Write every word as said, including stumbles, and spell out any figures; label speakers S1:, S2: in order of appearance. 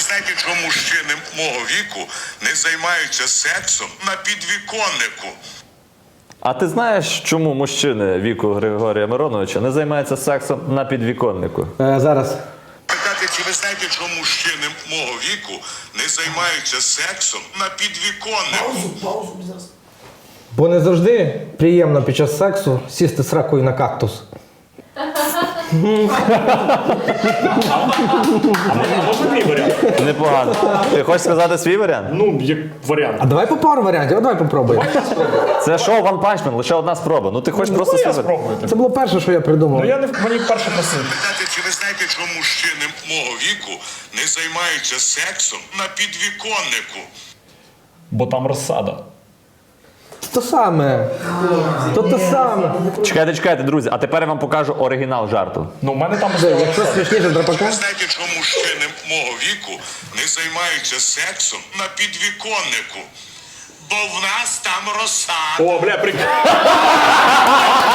S1: знаєте, чому мужчини мого віку не займаються сексом на підвіконнику?
S2: А ти знаєш, чому мужчини віку Григорія Мироновича не займаються сексом на підвіконнику?
S3: Е, зараз.
S1: Питати, чи ви знаєте, чому мужчини мого віку не займаються сексом на підвіконнику?
S3: Бо не завжди приємно під час сексу сісти сракою на кактус.
S4: А можна твій варіант?
S2: Непогано. Ти хочеш сказати свій варіант?
S4: Ну, як варіант.
S3: А давай по пару варіантів, а давай попробуємо.
S2: Це шоу One Punch Man, лише одна спроба. Ну ти хочеш просто
S4: Ну,
S2: свій
S4: я
S2: варіант.
S4: спробую.
S3: Це було перше, що я придумав.
S4: Ну, я не, мені перше просив.
S1: Питати, чи ви знаєте, чому мужчини мого віку не займаються сексом на підвіконнику?
S4: Бо там розсада.
S3: То саме. То те саме.
S2: Чекайте, чекайте, друзі, а тепер я вам покажу оригінал жарту.
S4: Ну, в мене там
S3: Якщо смішніше
S1: Чи
S3: драпака.
S1: ви знаєте, чому мужчини мого віку не займаються сексом на підвіконнику? Бо в нас там розсада.
S4: О, бля, прикольно.